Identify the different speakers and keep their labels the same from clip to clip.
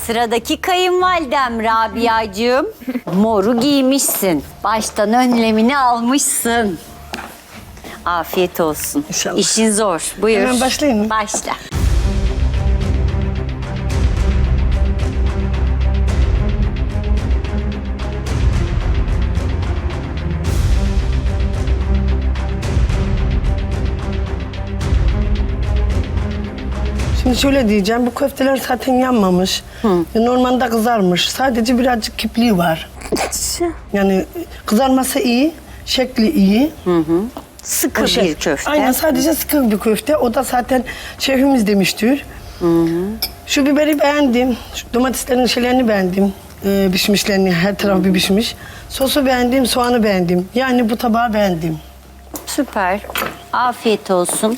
Speaker 1: Sıradaki kayınvalidem Rabia'cığım. Moru giymişsin. Baştan önlemini almışsın. Afiyet olsun.
Speaker 2: İnşallah.
Speaker 1: İşin zor. Buyur.
Speaker 2: Hemen başlayayım mı?
Speaker 1: Başla.
Speaker 2: Şimdi şöyle diyeceğim, bu köfteler zaten yanmamış. Normalde kızarmış. Sadece birazcık kipliği var. Yani kızarması iyi, şekli iyi.
Speaker 1: Sıkı
Speaker 2: O şey-
Speaker 1: bir köfte.
Speaker 2: Aynen, sadece sıkı bir köfte. O da zaten şefimiz demiştir. Şu biberi beğendim. Şu domateslerin şeylerini beğendim. Pişmişlerini, her tarafı bir pişmiş. Sosu beğendim, soğanı beğendim. Yani bu tabağı beğendim.
Speaker 1: Süper. Afiyet olsun.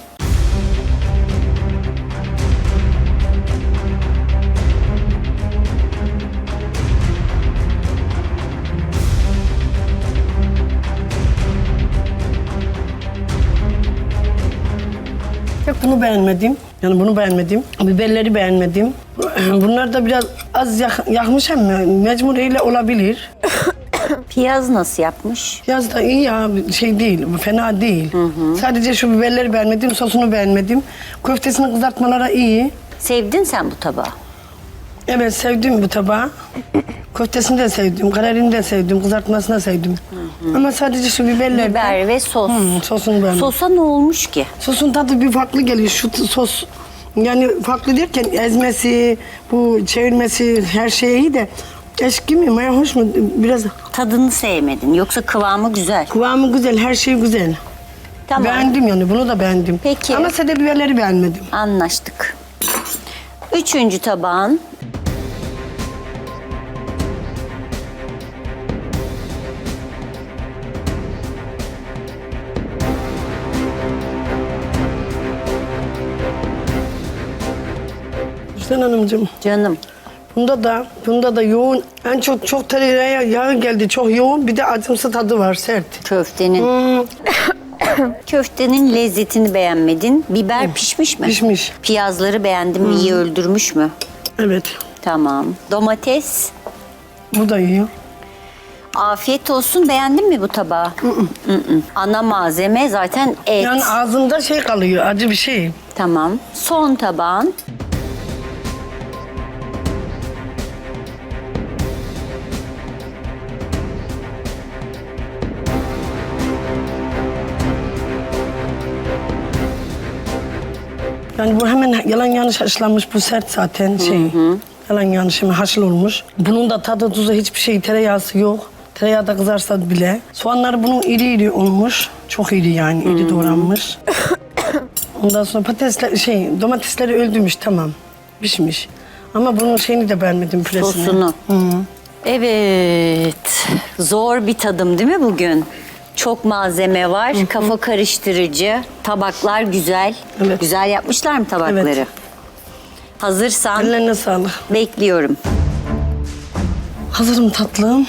Speaker 2: Tek bunu beğenmedim. Yani bunu beğenmedim. Biberleri beğenmedim. Bunlar da biraz az yakmış ama mecburiyle olabilir.
Speaker 1: Piyaz nasıl yapmış?
Speaker 2: Yaz da iyi ya, şey değil, fena değil. Sadece şu biberleri beğenmedim, sosunu beğenmedim. Köftesini kızartmalara iyi.
Speaker 1: Sevdin sen bu tabağı.
Speaker 2: Evet, sevdim bu tabağı. Köftesini de sevdim, kararini de sevdim, kızartmasını da sevdim. Ama sadece şu biberler...
Speaker 1: Biber ve sos.
Speaker 2: Sosunu beğenmedim.
Speaker 1: Sosa ne olmuş ki?
Speaker 2: Sosun tadı bir farklı geliyor. Şu sos, yani farklı derken ezmesi, bu çevirmesi, her şey iyi de... Eşki mi, maya hoş mu? Biraz
Speaker 1: Tadını sevmedin. Yoksa kıvamı güzel.
Speaker 2: kıvamı güzel, her şey güzel.
Speaker 1: Tamam.
Speaker 2: Beğendim yani, bunu da beğendim.
Speaker 1: Peki.
Speaker 2: Ama sade biberleri beğenmedim.
Speaker 1: Anlaştık. Üçüncü tabağın.
Speaker 2: Hüseyin Hanımcığım,
Speaker 1: Canım.
Speaker 2: bunda da yoğun, en çok tereyağı yağı geldi, çok yoğun. Bir de acımsı tadı var, sert.
Speaker 1: Köftenin. Köftenin lezzetini beğenmedin. Biber pişmiş mi?
Speaker 2: Pişmiş.
Speaker 1: Piyazları beğendin mi? İyi öldürmüş mü?
Speaker 2: Evet,
Speaker 1: Tamam. Domates.
Speaker 2: bu da iyi.
Speaker 1: Afiyet olsun. Beğendin mi bu tabağı? Ana malzeme zaten et.
Speaker 2: Yani ağzımda şey kalıyor, acı bir şey.
Speaker 1: Tamam. Son tabağın.
Speaker 2: Yani bu hemen yalan yanlış haşlanmış, bu sert zaten şey. Yalan yanlış hemen haşıl olmuş. Bunun da tadı tuzu hiçbir şey, tereyağısı yok. Tereyağı da kızarsa bile. Soğanları bunun iri iri olmuş. Çok iri yani, iri doğranmış. Ondan sonra domatesleri öldürmüş, tamam. Pişmiş. Ama bunun şeyini de beğenmedim, püresini.
Speaker 1: Sosunu. Evet. Zor bir tadım değil mi bugün? Çok malzeme var. Kafa karıştırıcı. Tabaklar güzel.
Speaker 2: Evet.
Speaker 1: Güzel yapmışlar mı tabakları?
Speaker 2: Evet.
Speaker 1: Hazırsan
Speaker 2: Ellerine sağlık.
Speaker 1: bekliyorum.
Speaker 2: Hazırım tatlım.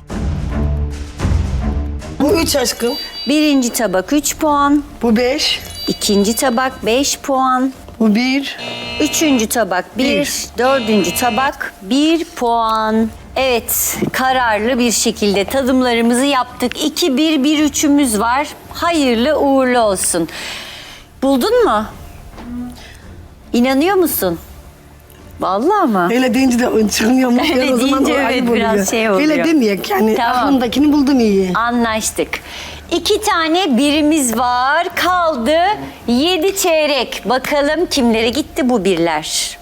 Speaker 2: Bu 3 aşkım.
Speaker 1: Birinci tabak 3 puan.
Speaker 2: Bu 5.
Speaker 1: İkinci tabak 5 puan.
Speaker 2: Bu 1.
Speaker 1: Üçüncü tabak 1.
Speaker 2: Bir.
Speaker 1: Dördüncü tabak 1 puan. Evet, kararlı bir şekilde tadımlarımızı yaptık. 2-1-1-3'ümüz var. Hayırlı uğurlu olsun. Buldun mu? İnanıyor musun? Vallahi mı?
Speaker 2: Öyle deyince de çıkmıyor mu?
Speaker 1: Öyle
Speaker 2: O zaman
Speaker 1: deyince
Speaker 2: o
Speaker 1: evet,
Speaker 2: ayıp
Speaker 1: biraz
Speaker 2: oluyor.
Speaker 1: şey oluyor.
Speaker 2: Öyle demeyek yani,
Speaker 1: Tamam.
Speaker 2: aklımdakini buldum iyi.
Speaker 1: Anlaştık. 2 tane birimiz var. Kaldı 7 çeyrek. Bakalım kimlere gitti bu birler?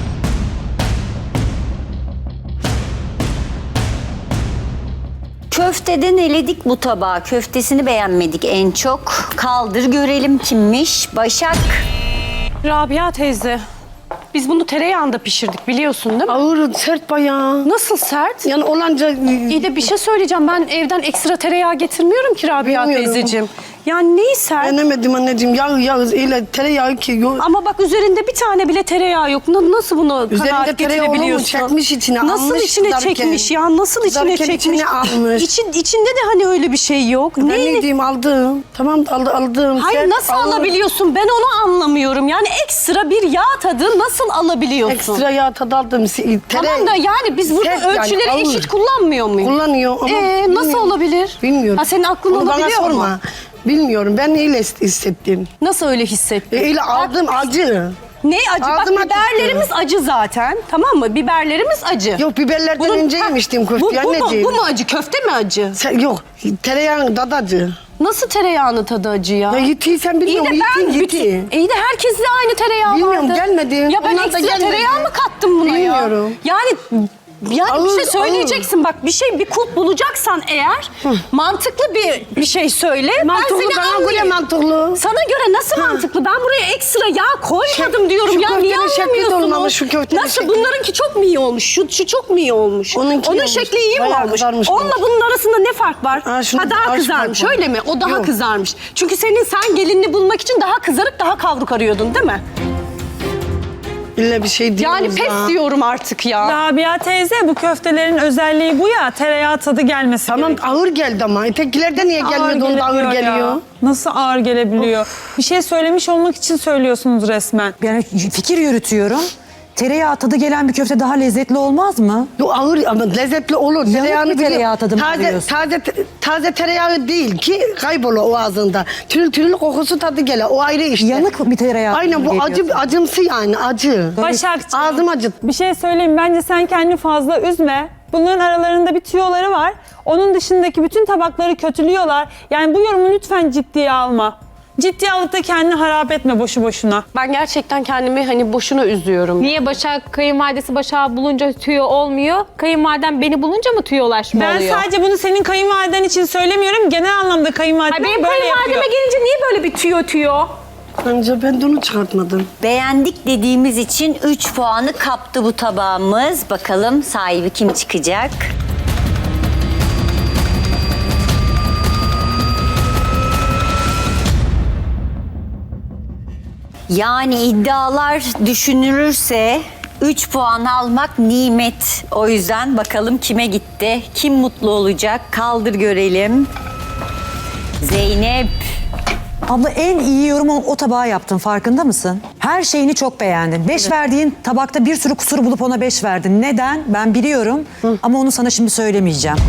Speaker 1: Köfteden eledik bu tabağı. Köftesini beğenmedik en çok. Kaldır görelim kimmiş. Başak.
Speaker 3: Rabia teyze, biz bunu tereyağında pişirdik biliyorsun değil mi?
Speaker 2: Ağır, sert bayağı.
Speaker 3: Nasıl sert?
Speaker 2: Yani olanca...
Speaker 3: İyi de bir şey söyleyeceğim. Ben evden ekstra tereyağı getirmiyorum ki Rabia
Speaker 2: Bilmiyorum.
Speaker 3: teyzeciğim. Yani neyi sert?
Speaker 2: Beğenemedim anneciğim. Yağ öyle tereyağı ki. Yok.
Speaker 3: Ama bak üzerinde bir tane bile tereyağı yok. Nasıl bunu
Speaker 2: Üzerinde
Speaker 3: kanaat
Speaker 2: tereyağı olur mu?
Speaker 3: getirebiliyorsun?
Speaker 2: Çekmiş içine,
Speaker 3: Nasıl
Speaker 2: almış
Speaker 3: içine
Speaker 2: kızarken.
Speaker 3: çekmiş ya? Nasıl içine
Speaker 2: Kızarken
Speaker 3: çekmiş?
Speaker 2: içine almış.
Speaker 3: İçinde de hani öyle bir şey yok.
Speaker 2: Ben
Speaker 3: Neyi-
Speaker 2: ne diyeyim aldım. Tamam aldım.
Speaker 3: Hayır
Speaker 2: Sert,
Speaker 3: nasıl
Speaker 2: ağır.
Speaker 3: alabiliyorsun? Ben onu anlamıyorum. Yani ekstra bir yağ tadı nasıl alabiliyorsun?
Speaker 2: Ekstra yağ tadı aldım.
Speaker 3: Tamam da yani biz burada
Speaker 2: Sert yani,
Speaker 3: ölçüleri
Speaker 2: ağır.
Speaker 3: eşit kullanmıyor muyuz?
Speaker 2: Kullanıyor ama
Speaker 3: Nasıl
Speaker 2: bilmiyorum.
Speaker 3: olabilir?
Speaker 2: Bilmiyorum.
Speaker 3: Ha, senin aklın
Speaker 2: Onu bana
Speaker 3: olabiliyor mu?
Speaker 2: sorma. Bilmiyorum. Ben öyle hissettim.
Speaker 3: Nasıl öyle hissettin?
Speaker 2: Öyle aldım acı.
Speaker 3: Ne acı?
Speaker 2: Ağzıma
Speaker 3: Bak biberlerimiz acı zaten. Tamam mı? Biberlerimiz acı.
Speaker 2: Yok biberlerden önce yemiştim köfteyi anneciğim.
Speaker 3: Bu mu acı? Köfte mi acı?
Speaker 2: Yok tereyağın tadı acı.
Speaker 3: Nasıl tereyağının tadı acı ya?
Speaker 2: Ya yitiyi sen
Speaker 3: İyi de
Speaker 2: bilmiyorum.
Speaker 3: ben
Speaker 2: Yiti.
Speaker 3: İyi de herkeste aynı tereyağı
Speaker 2: Bilmiyorum,
Speaker 3: vardı.
Speaker 2: gelmedi.
Speaker 3: Ya ben
Speaker 2: Onlar da
Speaker 3: ekstra
Speaker 2: gelmedi.
Speaker 3: tereyağı mı kattım buna ya?
Speaker 2: Bilmiyorum.
Speaker 3: Yani bir
Speaker 2: Ağır,
Speaker 3: şey söyleyeceksin. Bak bir kulp bulacaksan eğer mantıklı bir şey söyle.
Speaker 2: Mantıklı
Speaker 3: ben seni
Speaker 2: bana göre
Speaker 3: anlayayım.
Speaker 2: mantıklı.
Speaker 3: Sana göre nasıl mantıklı? Ben buraya ekstra yağ koymadım
Speaker 2: Şu-
Speaker 3: diyorum
Speaker 2: şu
Speaker 3: ya. Niye
Speaker 2: köftenin şekli de
Speaker 3: anlamıyorsunuz?
Speaker 2: olmamış, şu köftenin
Speaker 3: Nasıl?
Speaker 2: şekli.
Speaker 3: Bunlarınki çok mu iyi olmuş? Şu çok mu iyi olmuş?
Speaker 2: Onunki
Speaker 3: Onun
Speaker 2: olmuş.
Speaker 3: şekli iyi mi
Speaker 2: Bayağı
Speaker 3: olmuş?
Speaker 2: kızarmış
Speaker 3: Onunla
Speaker 2: olmuş.
Speaker 3: bunun arasında ne fark var?
Speaker 2: Ha, şunu-
Speaker 3: daha
Speaker 2: az
Speaker 3: kızarmış.
Speaker 2: fark var.
Speaker 3: Öyle mi? O daha
Speaker 2: Yok.
Speaker 3: kızarmış. Çünkü sen gelinini bulmak için daha kızarıp daha kavruk arıyordun değil mi?
Speaker 2: İlla bir şey diyoruz
Speaker 3: Yani pes
Speaker 2: ya.
Speaker 3: diyorum artık ya.
Speaker 4: Rabia teyze bu köftelerin özelliği bu ya. Tereyağı tadı gelmesi
Speaker 2: Tamam
Speaker 4: gerekiyor.
Speaker 2: ağır geldi ama. Ötekilerde niye gelmedi onda ağır
Speaker 4: gelebiliyor ya.
Speaker 2: geliyor?
Speaker 4: Nasıl ağır gelebiliyor? Bir şey söylemiş olmak için söylüyorsunuz resmen.
Speaker 5: Yani fikir yürütüyorum. Tereyağı tadı gelen bir köfte daha lezzetli olmaz mı?
Speaker 2: Yok ağır ama lezzetli olur. Tereyağını
Speaker 5: bir tereyağı
Speaker 2: biliyor.
Speaker 5: tadı mı
Speaker 2: taze,
Speaker 5: alıyorsun?
Speaker 2: taze tereyağı değil ki kaybolur o ağzında. Tül kokusu tadı gelir. O ayrı işte.
Speaker 5: Yanık bir tereyağı
Speaker 2: Aynen bu
Speaker 5: tadı geliyor.
Speaker 2: acımsı yani acı.
Speaker 4: Başakçığım,
Speaker 2: Ağzım acıt.
Speaker 4: bir şey söyleyeyim. Bence sen kendini fazla üzme. Bunların aralarında bir tüyoları var. Onun dışındaki bütün tabakları kötülüyorlar. Yani bu yorumu lütfen ciddiye alma. Ciddiye alıp da kendini harap etme boşu boşuna.
Speaker 3: Ben gerçekten kendimi hani boşuna üzüyorum.
Speaker 6: Niye Başak kayınvalidesi Başak'ı bulunca tüyo olmuyor? Kayınvaliden beni bulunca mı tüyolaşma
Speaker 4: Ben
Speaker 6: oluyor?
Speaker 4: sadece bunu senin kayınvaliden için söylemiyorum. Genel anlamda kayınvaliden
Speaker 6: Ay benim
Speaker 4: böyle
Speaker 6: kayınvalideme
Speaker 4: yapıyor.
Speaker 6: gelince niye böyle bir tüyo?
Speaker 2: Bence ben de onu çıkartmadım.
Speaker 1: Beğendik dediğimiz için 3 puanı kaptı bu tabağımız. Bakalım sahibi kim çıkacak? Yani iddialar düşünülürse 3 puan almak nimet. O yüzden bakalım kime gitti? Kim mutlu olacak? Kaldır görelim. Zeynep.
Speaker 5: Abla en iyi yorumu o tabağa yaptın, farkında mısın? Her şeyini çok beğendin. 5 verdiğin tabakta bir sürü kusur bulup ona 5 verdin. Neden? Ben biliyorum ama onu sana şimdi söylemeyeceğim.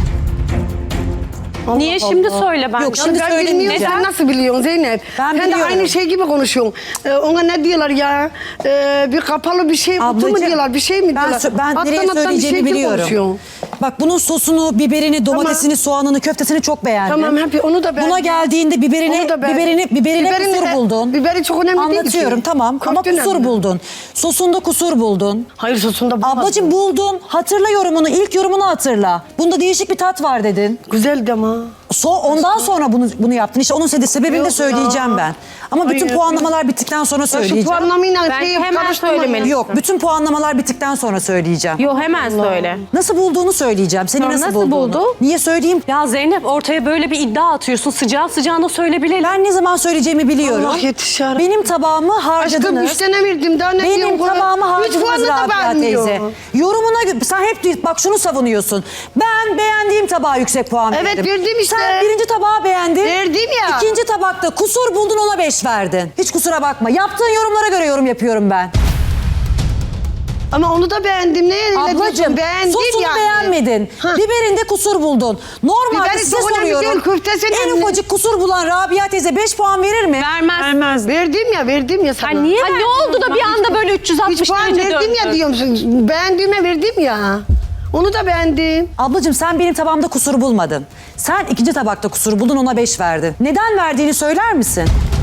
Speaker 3: Niye şimdi söyle ben?
Speaker 5: Yok, şimdi
Speaker 2: Ben
Speaker 5: söyleyeyim.
Speaker 2: bilmiyorum sen nasıl biliyorsun Zeynep?
Speaker 5: Ben
Speaker 2: Sen de
Speaker 5: biliyorum.
Speaker 2: aynı şey gibi konuşuyorsun. Ona ne diyorlar ya? Bir kapalı bir şey kutu mu
Speaker 5: Ablacığım,
Speaker 2: diyorlar? Bir şey mi diyorlar?
Speaker 5: ben nereye
Speaker 2: Alttan bir
Speaker 5: söyleyeceğimi
Speaker 2: şey gibi
Speaker 5: biliyorum.
Speaker 2: konuşuyorsun.
Speaker 5: Bak bunun sosunu, biberini, domatesini, soğanını, köftesini çok beğendim.
Speaker 2: Tamam hep onu da beğendim.
Speaker 5: Buna geldiğinde
Speaker 2: Onu da beğendim.
Speaker 5: biberine
Speaker 2: Biberini
Speaker 5: kusur
Speaker 2: de-
Speaker 5: buldun.
Speaker 2: biberi çok önemli değil ki.
Speaker 5: Anlatıyorum tamam ama
Speaker 2: Köfte
Speaker 5: kusur
Speaker 2: önemli.
Speaker 5: buldun. Sosunda kusur buldun.
Speaker 2: Hayır sosunda bulmadım.
Speaker 5: Ablacığım buldun. Hatırla yorumunu. İlk yorumunu hatırla. Bunda değişik bir tat var dedin.
Speaker 2: Güzeldi ama.
Speaker 5: Ondan sonra bunu yaptın. İşte onun sebebini
Speaker 2: Yok
Speaker 5: de söyleyeceğim
Speaker 2: ya.
Speaker 5: ben. Ama bütün
Speaker 2: Hayır.
Speaker 5: puanlamalar bittikten sonra
Speaker 2: Ya şu
Speaker 5: söyleyeceğim.
Speaker 2: puanlamayla
Speaker 6: Bence
Speaker 2: şeyi
Speaker 6: hemen
Speaker 2: karıştırma.
Speaker 6: söylemelisin.
Speaker 5: Yok, bütün puanlamalar bittikten sonra söyleyeceğim.
Speaker 6: Yo hemen söyle.
Speaker 5: Nasıl bulduğunu söyleyeceğim. Seni
Speaker 6: Tamam,
Speaker 5: nasıl
Speaker 6: nasıl
Speaker 5: bulduğunu.
Speaker 6: buldu?
Speaker 5: Niye söyleyeyim?
Speaker 3: Ya Zeynep ortaya böyle bir iddia atıyorsun. Sıcağı sıcağına söyle bilelim.
Speaker 5: Ben ne zaman söyleyeceğimi biliyorum.
Speaker 2: Allah yetiş ya Rabbi.
Speaker 5: Benim tabağımı
Speaker 2: Aşkım
Speaker 5: harcadınız.
Speaker 2: 3 tane verdim daha ne
Speaker 5: Benim
Speaker 2: diyorsun?
Speaker 5: tabağımı
Speaker 2: Üç
Speaker 5: harcadınız
Speaker 2: puanı da
Speaker 5: Rabia
Speaker 2: vermiyor.
Speaker 5: teyze. Yorumuna sen hep bak şunu savunuyorsun. Ben beğendiğim tabağa yüksek puan
Speaker 2: Evet,
Speaker 5: verdim.
Speaker 2: verdim işte.
Speaker 5: Sen birinci tabağı beğendin.
Speaker 2: Verdim ya.
Speaker 5: İkinci tabakta kusur buldun ona 5 verdin. Hiç kusura bakma. Yaptığın yorumlara göre yorum yapıyorum ben.
Speaker 2: Ama onu da beğendim. Neye öyle
Speaker 5: Ablacığım
Speaker 2: diyorsun? Beğendim
Speaker 5: sosunu
Speaker 2: yani.
Speaker 5: beğenmedin.
Speaker 2: Ha.
Speaker 5: Biberinde kusur buldun. Normalde
Speaker 2: Biberi
Speaker 5: size
Speaker 2: çok önemli
Speaker 5: soruyorum.
Speaker 2: değil, köftesi
Speaker 5: En
Speaker 2: önemli.
Speaker 5: ufacık kusur bulan Rabia teyze 5 puan verir mi?
Speaker 3: Vermez.
Speaker 4: Vermez.
Speaker 2: Verdim ya sana.
Speaker 3: Niye ne oldu da bir anda böyle
Speaker 2: 3
Speaker 3: 360
Speaker 2: puan
Speaker 3: derece
Speaker 2: verdim ya
Speaker 3: döndü?
Speaker 2: diyorum. Beğendiğime verdim ya. Onu da beğendim.
Speaker 5: Ablacığım sen benim tabağımda kusur bulmadın. Sen ikinci tabakta kusur buldun ona 5 verdin. Neden verdiğini söyler misin?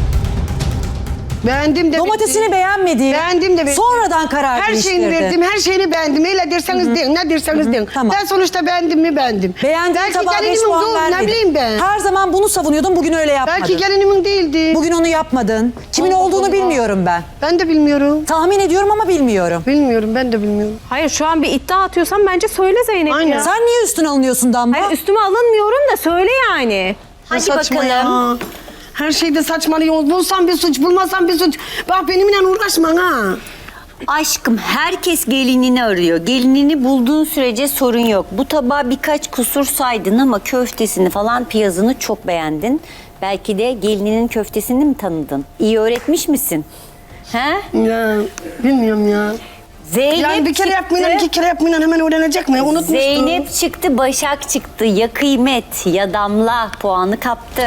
Speaker 2: Beğendim de
Speaker 5: Domatesini
Speaker 2: verdim.
Speaker 5: beğenmediğin,
Speaker 2: Beğendim de verdim.
Speaker 5: sonradan karar
Speaker 2: Her
Speaker 5: değiştirdin.
Speaker 2: şeyini verdim, her şeyini beğendim. Öyle derseniz deyin, ne derseniz deyin.
Speaker 5: Tamam.
Speaker 2: Ben sonuçta beğendim mi beğendim.
Speaker 5: Beğendiğin
Speaker 2: Belki
Speaker 5: tabağa 5
Speaker 2: gelinimin
Speaker 5: puan
Speaker 2: doğru, ne
Speaker 5: vermedin.
Speaker 2: bileyim ben.
Speaker 5: Her zaman bunu savunuyordun, bugün öyle yapmadın.
Speaker 2: Belki gelinimin değildi.
Speaker 5: Bugün onu yapmadın. Kimin
Speaker 2: Allah
Speaker 5: olduğunu
Speaker 2: Allah.
Speaker 5: bilmiyorum ben.
Speaker 2: Ben de bilmiyorum.
Speaker 5: Tahmin ediyorum ama bilmiyorum.
Speaker 2: Bilmiyorum, ben de bilmiyorum.
Speaker 3: Hayır şu an bir iddia atıyorsan bence söyle Zeynep
Speaker 2: Aynen.
Speaker 3: ya.
Speaker 5: Sen niye üstüne alınıyorsun Damla?
Speaker 3: Hayır üstüme alınmıyorum da söyle yani.
Speaker 1: Hadi
Speaker 2: Saçma
Speaker 1: bakalım.
Speaker 2: ya. Her şeyde saçmalıyorsunuz. Bulsam bir suç, bulmasam bir suç. Bak benimle uğraşma ha.
Speaker 1: Aşkım herkes gelinini arıyor. Gelinini bulduğun sürece sorun yok. Bu tabağa birkaç kusur saydın ama köftesini falan piyazını çok beğendin. Belki de gelininin köftesini mi tanıdın? İyi öğretmiş misin? He?
Speaker 2: Ya bilmiyorum ya.
Speaker 1: Zeynep
Speaker 2: Yani bir kere
Speaker 1: çıktı.
Speaker 2: yapmayla, 2 kere yapmayla hemen öğrenecek mi? Unutmuştum.
Speaker 1: Zeynep çıktı, Başak çıktı. Ya kıymet ya damla puanı kaptı.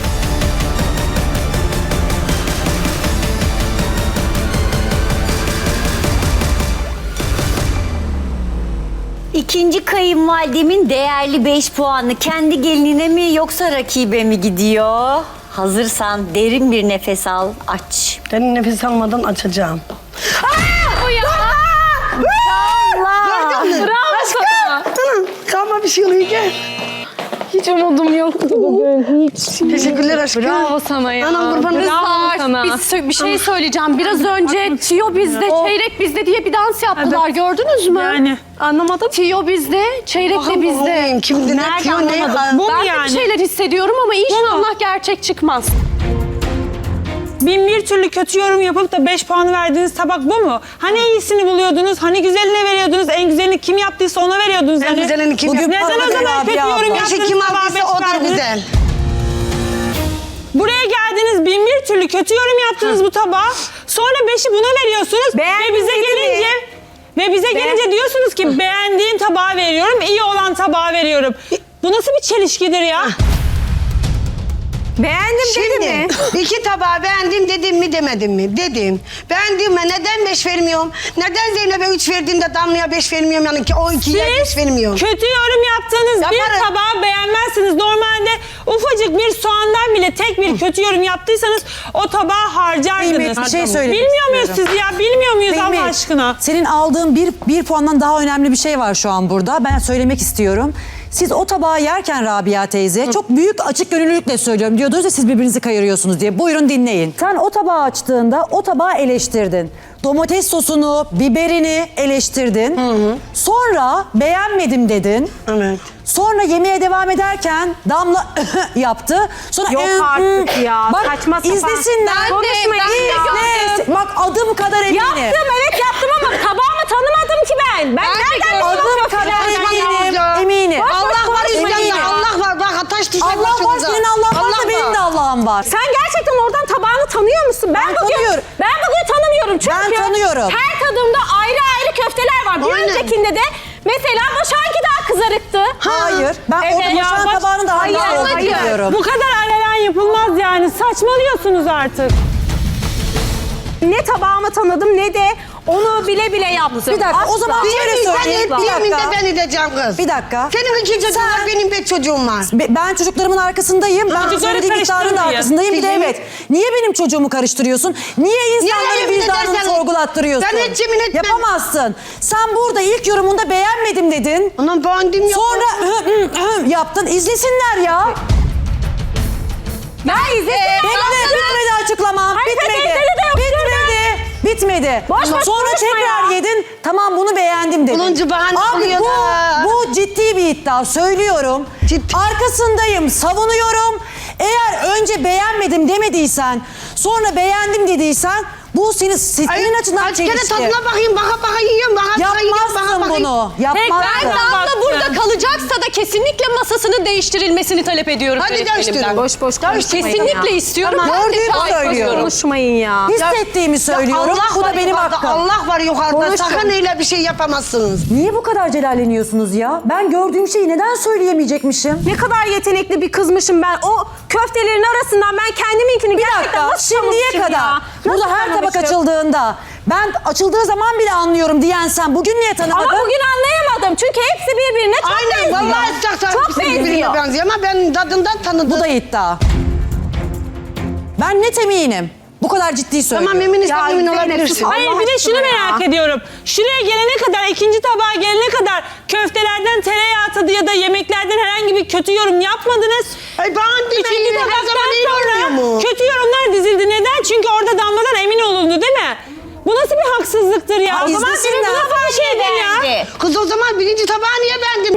Speaker 1: İkinci kayınvalidemin değerli 5 puanı kendi gelinine mi yoksa rakibe mi gidiyor? Hazırsan derin bir nefes al, aç.
Speaker 2: Ben nefes almadan açacağım.
Speaker 6: Bu ya.
Speaker 1: Allah!
Speaker 6: Bravo sana.
Speaker 2: Tamam, kalma bir şey oluyor gel.
Speaker 6: Hiç umudum yoktu bugün. Hiç.
Speaker 2: Teşekkürler aşkım.
Speaker 6: Bravo sana ya.
Speaker 2: Anam kurban olayım.
Speaker 6: Bravo sana.
Speaker 3: Bir şey söyleyeceğim. Biraz önce Tiyo bizde, çeyrek bizde diye bir dans yaptılar. Gördünüz mü?
Speaker 4: Yani.
Speaker 3: Anlamadım. Tiyo bizde, çeyrek de
Speaker 2: Bakın
Speaker 3: bizde.
Speaker 2: olayım, kimde ne
Speaker 1: Nerede
Speaker 2: diyor ne?
Speaker 1: anlamadım.
Speaker 4: Bu mu
Speaker 3: Ben de
Speaker 4: yani?
Speaker 3: bir şeyler hissediyorum ama inşallah gerçek çıkmaz.
Speaker 4: Bin bir türlü kötü yorum yapıp da 5 puan verdiğiniz tabak bu mu? Hani iyisini buluyordunuz, hani güzeline veriyordunuz, en güzelini kim yaptıysa ona veriyordunuz.
Speaker 2: En
Speaker 4: hani.
Speaker 2: güzelini kim
Speaker 5: Bugün
Speaker 2: yaptı?
Speaker 4: Neden o
Speaker 5: patladı
Speaker 4: zaman kötü
Speaker 5: Rabia
Speaker 4: yorum
Speaker 5: abla.
Speaker 2: Yaşı
Speaker 4: yaptınız,
Speaker 2: kim
Speaker 4: tabağa
Speaker 2: aldıysa
Speaker 4: 5
Speaker 2: o da
Speaker 4: verdiniz?
Speaker 2: güzel.
Speaker 4: Buraya geldiniz, bin bir türlü kötü yorum yaptınız bu tabağa. Sonra 5'i buna veriyorsunuz. Ve bize gelince diyorsunuz ki beğendiğim tabağı veriyorum, iyi olan tabağı veriyorum. Bu nasıl bir çelişkidir ya?
Speaker 3: Beğendim
Speaker 2: Şimdi 2 tabağı beğendim dedim mi demedim mi? Dedim. Beğendim mi? Neden 5 vermiyorum? Neden Zeynep'e 3 verdiğinde Damla'ya 5 vermiyorum? Yani ki o 2'ye 5 vermiyorum.
Speaker 4: Kötü yorum yaptığınız bir
Speaker 2: Yaparım.
Speaker 4: tabağı beğenmezsiniz. Normalde ufacık bir soğandan bile tek bir kötü yorum yaptıysanız o tabağı harcardınız.
Speaker 5: Kıymet, bir şey söylemek
Speaker 4: Bilmiyor muyuz
Speaker 5: istiyorum.
Speaker 4: siz ya? Bilmiyor muyuz Allah
Speaker 5: Kıymet,
Speaker 4: aşkına?
Speaker 5: Senin aldığın bir puandan daha önemli bir şey var şu an burada. Ben söylemek istiyorum. Siz o tabağı yerken Rabia teyze çok büyük açık gönüllülükle söylüyorum. Diyordunuz ya siz birbirinizi kayırıyorsunuz diye. Buyurun dinleyin. Sen o tabağı açtığında o tabağı eleştirdin. Domates sosunu, biberini eleştirdin. Sonra beğenmedim dedin.
Speaker 2: Evet.
Speaker 5: Sonra yemeğe devam ederken Damla yaptı. Sonra
Speaker 3: Yok artık ya,
Speaker 5: Bak
Speaker 3: saçma sapan.
Speaker 5: izlesinler.
Speaker 3: Ben de
Speaker 5: İzle. Bak adım kadar eminim.
Speaker 3: evet yaptım ama tabağımı tanımadım ki ben. Ben nereden
Speaker 5: Adım kadar eminim.
Speaker 2: Allah var
Speaker 5: eminim.
Speaker 2: İslam'da. Allah var. Bak taş düşer
Speaker 5: Allah var,
Speaker 2: başınıza.
Speaker 5: senin Allah varsa benim de Allah'ım var.
Speaker 3: Sen gerçekten oradan tabağını tanıyor musun? Ben
Speaker 5: tanıyorum.
Speaker 3: bugün tanımıyorum çünkü
Speaker 5: Ben tanıyorum.
Speaker 3: her tadımda ayrı ayrı köfteler var. Bir
Speaker 2: Aynen.
Speaker 3: öncekinde de mesela Başak'ınki daha kızarıktı.
Speaker 5: Hayır. Ben
Speaker 3: Evet.
Speaker 5: orada
Speaker 3: Ya
Speaker 5: Başak'ın
Speaker 4: bak-
Speaker 5: tabağının da
Speaker 3: Hayır,
Speaker 5: hangisi olduğunu
Speaker 3: hayır.
Speaker 5: biliyorum.
Speaker 4: Bu kadar alenen yapılmaz yani. Saçmalıyorsunuz artık.
Speaker 3: Ne tabağımı tanıdım ne de onu bile bile yaptım.
Speaker 5: Bir dakika, o zaman şöyle söyleyeyim. Bir
Speaker 2: Yemin de
Speaker 5: dakika.
Speaker 2: ben edeceğim kız.
Speaker 5: Bir dakika.
Speaker 2: Senin 2 çocuğun var, benim 5 çocuğum var.
Speaker 5: Ben çocuklarımın arkasındayım. Ben
Speaker 4: Çocukları
Speaker 5: söylediğim iddianın da
Speaker 4: karıştırmayın.
Speaker 5: arkasındayım. Bir de
Speaker 2: Yemin-
Speaker 5: evet. Niye benim çocuğumu karıştırıyorsun? Niye insanların
Speaker 2: yemin
Speaker 5: vicdanını
Speaker 2: edersen-
Speaker 5: sorgulattırıyorsun?
Speaker 2: Ben hiç yemin etmem.
Speaker 5: Yapamazsın. Sen burada ilk yorumunda beğenmedim dedin.
Speaker 2: Anam beğendim yok.
Speaker 5: Sonra yaptın. İzlesinler ya.
Speaker 3: Ben izledim.
Speaker 5: Bitmedi açıklamam.
Speaker 3: Hayır,
Speaker 5: Bitmedi.
Speaker 3: teyzeli de yok
Speaker 5: Bitmedi.
Speaker 3: Boş boş
Speaker 5: Sonra
Speaker 3: konuşma
Speaker 5: tekrar
Speaker 3: ya.
Speaker 5: yedin. Tamam bunu beğendim dedin.
Speaker 2: 10. bahane
Speaker 5: Abi
Speaker 2: oluyor da.
Speaker 5: bu ciddi bir iddia. Söylüyorum.
Speaker 2: Ciddi.
Speaker 5: Arkasındayım. Savunuyorum. Eğer önce beğenmedim demediysen, sonra beğendim dediysen bu senin açından
Speaker 2: Kaç kere
Speaker 5: çelişki.
Speaker 2: tadına bakayım, baka yiyorum,
Speaker 5: Yapmazsın bunu. Yapmazsın.
Speaker 3: Damla burada kalacaksa da kesinlikle masasının değiştirilmesini talep ediyorum.
Speaker 2: Hadi
Speaker 3: yönetmenimden.
Speaker 2: değiştirin.
Speaker 3: Boş boş konuşmayın. Kesinlikle istiyorum.
Speaker 2: Tamam.
Speaker 3: Ben de
Speaker 5: Gördüğümü
Speaker 3: şahit
Speaker 5: söylüyorum.
Speaker 3: konuşmayın ya.
Speaker 5: Hissettiğimi söylüyorum. Bu da benim
Speaker 2: yukarıda,
Speaker 5: hakkım.
Speaker 2: Allah var yukarıda.
Speaker 3: Konuşun.
Speaker 2: Sakın öyle bir şey yapamazsınız.
Speaker 5: Niye bu kadar celalleniyorsunuz ya? Ben gördüğüm şeyi neden söyleyemeyecekmişim?
Speaker 3: Ne kadar yetenekli bir kızmışım ben. O köftelerin arasından ben kendiminkini
Speaker 5: Bir
Speaker 3: gerçekten
Speaker 5: dakika,
Speaker 3: nasıl
Speaker 5: şimdiye
Speaker 3: tanımışım
Speaker 5: kadar.
Speaker 3: ya?
Speaker 5: Burada
Speaker 3: Nasıl
Speaker 5: her tabak
Speaker 3: tanımışım?
Speaker 5: açıldığında, ben açıldığı zaman bile anlıyorum diyen sen bugün niye tanımadın?
Speaker 3: Ama bugün anlayamadım. Çünkü hepsi birbirine çok
Speaker 2: Aynen,
Speaker 3: benziyor.
Speaker 2: vallahi istersen
Speaker 3: Çok
Speaker 2: ikisi birbirine
Speaker 3: benziyor.
Speaker 2: benziyor ama ben tadından tanıdım.
Speaker 5: Bu da iddia. Ben net eminim. Bu kadar ciddi söylüyorum.
Speaker 2: Tamam emin
Speaker 3: Ya
Speaker 2: emin
Speaker 3: Zeynep,
Speaker 2: olabilirsin.
Speaker 3: sus.
Speaker 4: Hayır
Speaker 3: Allah
Speaker 4: bir de şunu
Speaker 3: aşkına ya.
Speaker 4: merak ediyorum. Şuraya gelene kadar, ikinci tabağa gelene kadar köftelerden tereyağı tadı ya da yemeklerden herhangi bir kötü yorum yapmadınız.
Speaker 2: Ay beğendim.
Speaker 4: Üçüncü
Speaker 2: Her
Speaker 4: tabaktan
Speaker 2: zaman iyi
Speaker 4: sonra
Speaker 2: olmuyor mu?
Speaker 4: kötü yorumlar dizildi. Neden? Çünkü orada Damla'dan emin olundu değil mi? Bu nasıl bir haksızlıktır ya?
Speaker 5: Ha,
Speaker 4: O zaman
Speaker 5: izlesinler.
Speaker 4: senin bu nasıl bir şeydir ya?
Speaker 1: Beğendi.
Speaker 2: Kız o zaman birinci tabağı niye beğendin?
Speaker 4: Birinci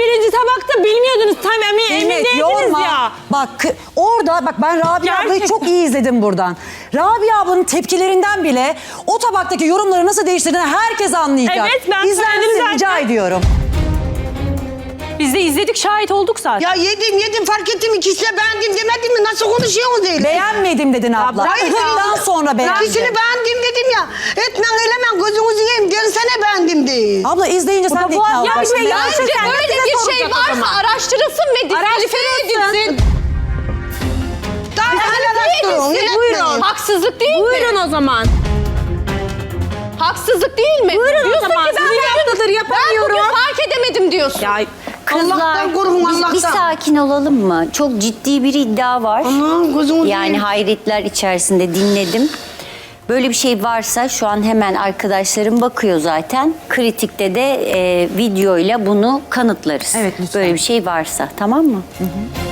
Speaker 4: tabakta bilmiyordunuz. Tam emindeydiniz
Speaker 5: yorma.
Speaker 4: ya.
Speaker 5: Bak orada bak ben Rabia ablayı
Speaker 4: Gerçekten.
Speaker 5: çok iyi izledim buradan. Rabia ablanın tepkilerinden bile o tabaktaki yorumları nasıl değiştirdiğini herkes anlayacak.
Speaker 4: Evet, ben
Speaker 5: İzlenmenizi
Speaker 4: söyledim
Speaker 5: rica
Speaker 4: zaten.
Speaker 5: ediyorum.
Speaker 3: Biz de izledik, şahit olduk zaten.
Speaker 7: Ya yedim fark ettim, ikisi de beğendim demedim mi? Nasıl konuşuyorsunuz öyle?
Speaker 5: Beğenmedim dedin abla.
Speaker 7: bırak ya.
Speaker 5: Bundan sonra beğendim.
Speaker 7: İkisini beğendim dedim ya. Etmen eylemen gözünüzü yiyeyim. Gelsene beğendim de.
Speaker 5: Abla izleyince sen de ikna
Speaker 3: Ya
Speaker 5: olacaksın.
Speaker 3: bir şey
Speaker 6: Bence böyle bir şey varsa araştırılsın ve diskalifiye edilsin.
Speaker 7: Daha araştırın.
Speaker 6: Buyurun. Haksızlık değil mi?
Speaker 3: Buyurun o zaman.
Speaker 6: Haksızlık değil mi?
Speaker 3: Buyurun o
Speaker 6: Diyorsun
Speaker 3: zaman.
Speaker 6: ki ben
Speaker 3: Sizin haftadır yapamıyorum.
Speaker 6: Ben bugün fark edemedim diyorsun.
Speaker 3: Ya
Speaker 1: Kızlar
Speaker 7: Allah'tan korkun,
Speaker 1: bir
Speaker 7: Allah'tan.
Speaker 1: sakin olalım mı? Çok ciddi bir iddia var.
Speaker 7: Aman gözünüzü
Speaker 1: Yani
Speaker 7: yiyeyim.
Speaker 1: hayretler içerisinde dinledim. Böyle bir şey varsa şu an hemen arkadaşlarım bakıyor zaten. Kritikte de videoyla bunu kanıtlarız.
Speaker 5: Evet, lütfen.
Speaker 1: Böyle bir şey varsa, tamam mı?